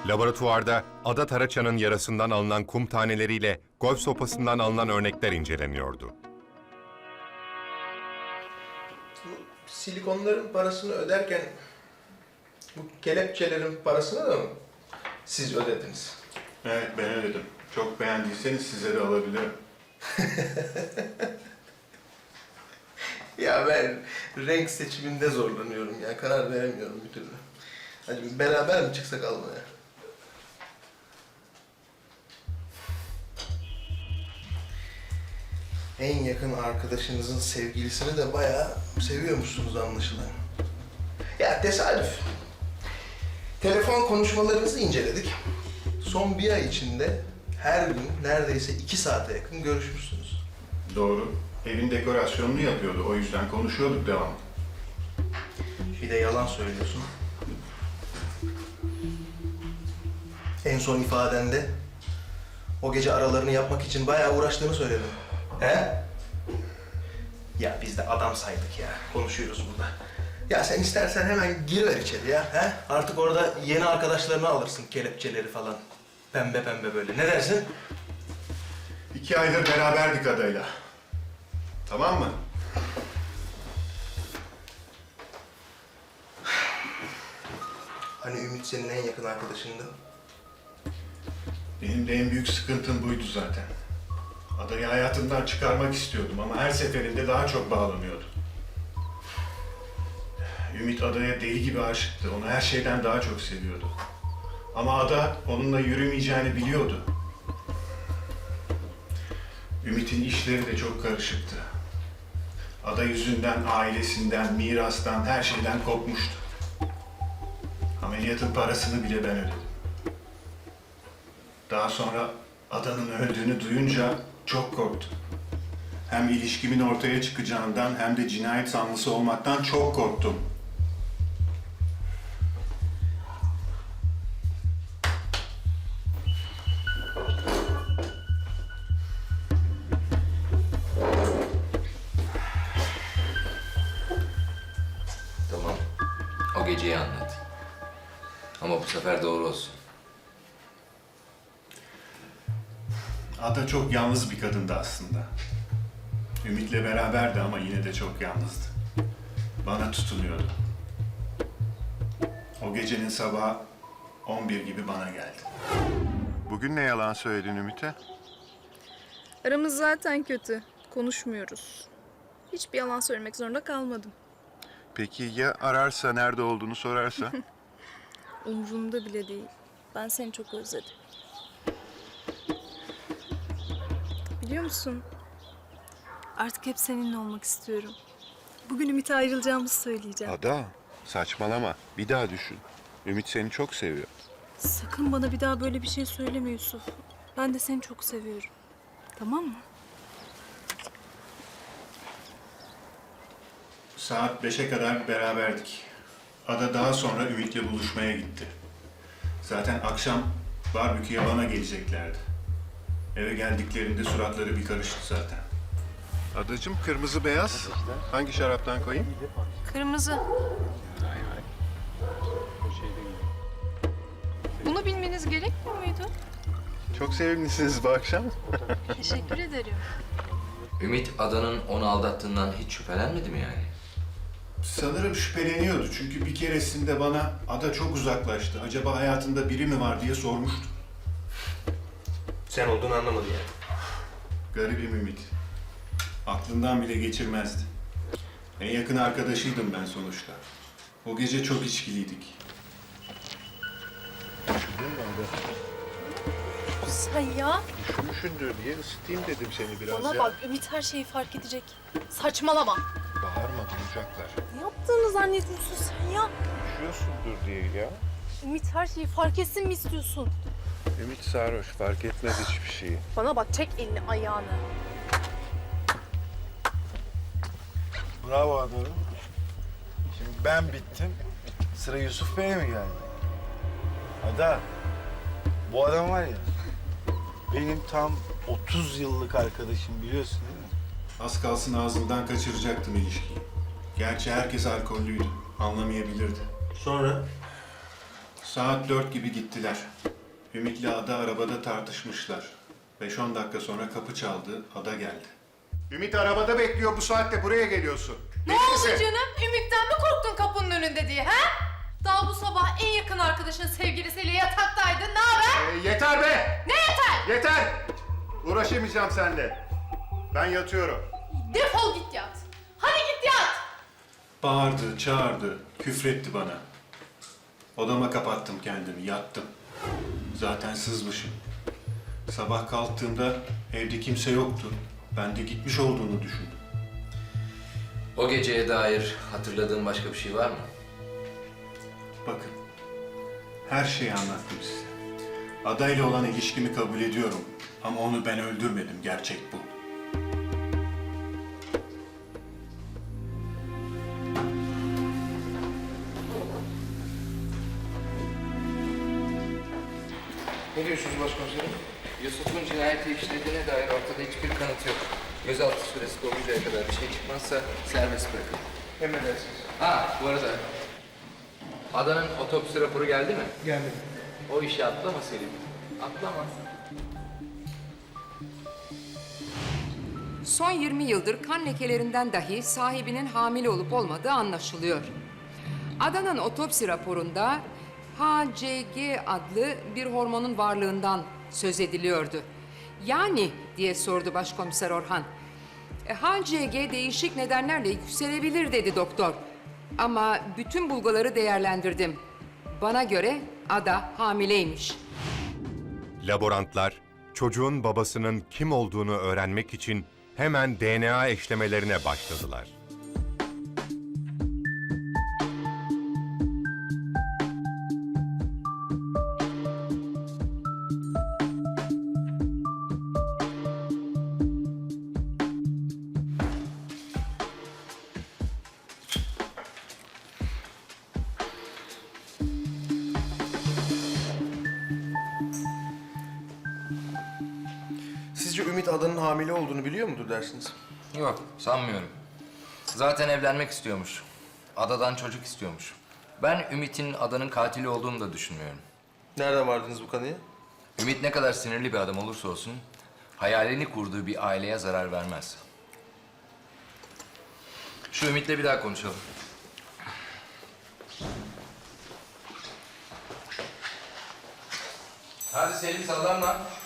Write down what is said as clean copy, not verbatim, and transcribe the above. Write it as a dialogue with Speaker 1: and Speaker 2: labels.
Speaker 1: Laboratuvarda Ada Taraçan'ın yarasından alınan kum taneleriyle golf sopasından alınan örnekler inceleniyordu.
Speaker 2: Bu silikonların parasını öderken bu kelepçelerin parasını da mı siz ödediniz?
Speaker 3: Evet, ben ödedim. Çok beğendiyseniz size de alabilirim.
Speaker 2: Ya ben renk seçiminde zorlanıyorum ya. Karar veremiyorum bir türlü. Hadi beraber mi çıksak almaya? En yakın arkadaşınızın sevgilisini de bayağı seviyormuşsunuz anlaşılan. Ya tesadüf. Telefon konuşmalarınızı inceledik. Son bir ay içinde her gün neredeyse 2 saate yakın görüşmüşsünüz.
Speaker 3: Doğru. Evin dekorasyonunu yapıyordu. O yüzden konuşuyorduk devamlı.
Speaker 2: Bir de yalan söylüyorsun. En son ifadende o gece aralarını yapmak için bayağı uğraştığını söyledin. He? Ya biz de adam saydık ya. Konuşuyoruz burada. Ya sen istersen hemen giriver içeri ya. He? Artık orada yeni arkadaşlarını alırsın, kelepçeleri falan. Pembe pembe böyle. Ne dersin?
Speaker 3: 2 aydır beraberdik adayla. Tamam mı?
Speaker 2: Hani Ümit senin en yakın arkadaşındı.
Speaker 3: Benim de en büyük sıkıntım buydu zaten. Adayı hayatımdan çıkarmak istiyordum ama her seferinde daha çok bağlanıyordu. Ümit Ada'ya deli gibi aşıktı. Onu her şeyden daha çok seviyordu. Ama Ada onunla yürümeyeceğini biliyordu. Ümit'in işleri de çok karışıktı. Ada yüzünden ailesinden, mirastan, her şeyden kopmuştu. Ameliyatın parasını bile ben ödedim. Daha sonra Ada'nın öldüğünü duyunca çok korktum. Hem ilişkimin ortaya çıkacağından hem de cinayet sanlısı olmaktan çok korktum.
Speaker 4: Tamam. O geceyi anlat. Ama bu sefer doğru olsun.
Speaker 3: Ada çok yalnız bir kadındı aslında. Ümit'le beraberdi ama yine de çok yalnızdı. Bana tutunuyordu. O gecenin sabahı 11 gibi bana geldi. Bugün ne yalan söyledin Ümit'e?
Speaker 5: Aramız zaten kötü. Konuşmuyoruz. Hiçbir yalan söylemek zorunda kalmadım.
Speaker 3: Peki ya ararsa, nerede olduğunu sorarsa?
Speaker 5: Umurumda bile değil. Ben seni çok özledim. Biliyor musun? Artık hep seninle olmak istiyorum. Bugün Ümit'e ayrılacağımızı söyleyeceğim.
Speaker 3: Ada, saçmalama. Bir daha düşün. Ümit seni çok seviyor.
Speaker 5: Sakın bana bir daha böyle bir şey söyleme Yusuf. Ben de seni çok seviyorum. Tamam mı?
Speaker 3: Saat 5'e kadar beraberdik. Ada daha sonra Ümit'le buluşmaya gitti. Zaten akşam barbeküye bana geleceklerdi. Eve geldiklerinde suratları bir karıştı zaten. Adacığım, kırmızı beyaz. Hangi şaraptan koyayım?
Speaker 5: Kırmızı. Bunu bilmeniz gerekmiyor muydu?
Speaker 3: Çok sevimlisiniz bu akşam.
Speaker 5: Teşekkür ederim.
Speaker 4: Ümit Adan'ın onu aldattığından hiç şüphelenmedi mi yani?
Speaker 3: Sanırım şüpheleniyordu çünkü bir keresinde bana Ada çok uzaklaştı. Acaba hayatında biri mi var diye sormuştu.
Speaker 2: Sen olduğunu anlamadı yani.
Speaker 3: Garibim Ümit. Aklından bile geçirmezdi. En yakın arkadaşıydım ben sonuçta. O gece çok içkiliydik.
Speaker 6: Sen ya,
Speaker 3: Üşümüşsündür diye ısıtayım dedim seni biraz
Speaker 6: bana bak Ümit her şeyi fark edecek. Saçmalama.
Speaker 3: Bağırma, duyacaklar.
Speaker 6: Ne yaptığını zannediyorsun sen ya?
Speaker 3: Üşüyorsundur diye ya.
Speaker 6: Ümit her şeyi fark etsin mi istiyorsun?
Speaker 3: Ümit sarhoş, fark etmez hiçbir şeyi.
Speaker 6: Bana bak, çek elini ayağını.
Speaker 7: Bravo Adorun. Şimdi ben bittim. Sıra Yusuf Bey'e mi geldi? Ada, bu adam var ya, benim tam 30 yıllık arkadaşım, biliyorsun değil mi?
Speaker 3: Az kalsın ağzından kaçıracaktım ilişkiyi. Gerçi herkes alkollüydü, anlamayabilirdi.
Speaker 2: Sonra?
Speaker 3: Saat 4 gibi gittiler. Ümit'le Ada arabada tartışmışlar. 5-10 dakika sonra kapı çaldı, Ada geldi. Ümit arabada bekliyor, bu saatte buraya geliyorsun.
Speaker 6: Ne oldu canım? Ümit'ten mi korktun kapının önünde diye ha? Daha bu sabah en yakın arkadaşın sevgilisiyle yataktaydın. Ne haber?
Speaker 3: Yeter be!
Speaker 6: Ne yeter?
Speaker 3: Yeter! Uğraşamayacağım seninle. Ben yatıyorum.
Speaker 6: Defol git yat. Hadi git yat.
Speaker 3: Bağırdı, çağırdı, küfretti bana. Odama kapattım kendimi, yattım. Zaten sızmışım. Sabah kalktığımda evde kimse yoktu. Ben de gitmiş olduğunu düşündüm.
Speaker 4: O geceye dair hatırladığın başka bir şey var mı?
Speaker 3: Bakın, her şeyi anlattım size. Ada ile olan ilişkimi kabul ediyorum. Ama onu ben öldürmedim, gerçek bu.
Speaker 2: Ne diyorsunuz başkomiserim?
Speaker 4: Yusuf'un cinayeti işlediğine dair ortada hiçbir kanıt yok. Gözaltı süresi doluncaya kadar bir şey çıkmazsa serbest bırakın.
Speaker 2: Emredersiniz.
Speaker 4: Ha, bu arada Adanın otopsi raporu geldi mi?
Speaker 2: Geldim.
Speaker 4: O işi atlama Selim. Atlama.
Speaker 8: Son 20 yıldır kan lekelerinden dahi sahibinin hamile olup olmadığı anlaşılıyor. Adanın otopsi raporunda HCG adlı bir hormonun varlığından söz ediliyordu. Yani diye sordu Başkomiser Orhan. HCG değişik nedenlerle yükselebilir dedi doktor. Ama bütün bulguları değerlendirdim. Bana göre Ada hamileymiş.
Speaker 1: Laborantlar çocuğun babasının kim olduğunu öğrenmek için hemen DNA eşlemelerine başladılar.
Speaker 2: Sizce Ümit Adan'ın hamile olduğunu biliyor mudur dersiniz?
Speaker 4: Yok, sanmıyorum. Zaten evlenmek istiyormuş. Adadan çocuk istiyormuş. Ben Ümit'in Adanın katili olduğunu da düşünmüyorum.
Speaker 2: Nereden vardınız bu kanıya?
Speaker 4: Ümit ne kadar sinirli bir adam olursa olsun, hayalini kurduğu bir aileye zarar vermez. Şu Ümit'le bir daha konuşalım. Hadi Selim, sallanma.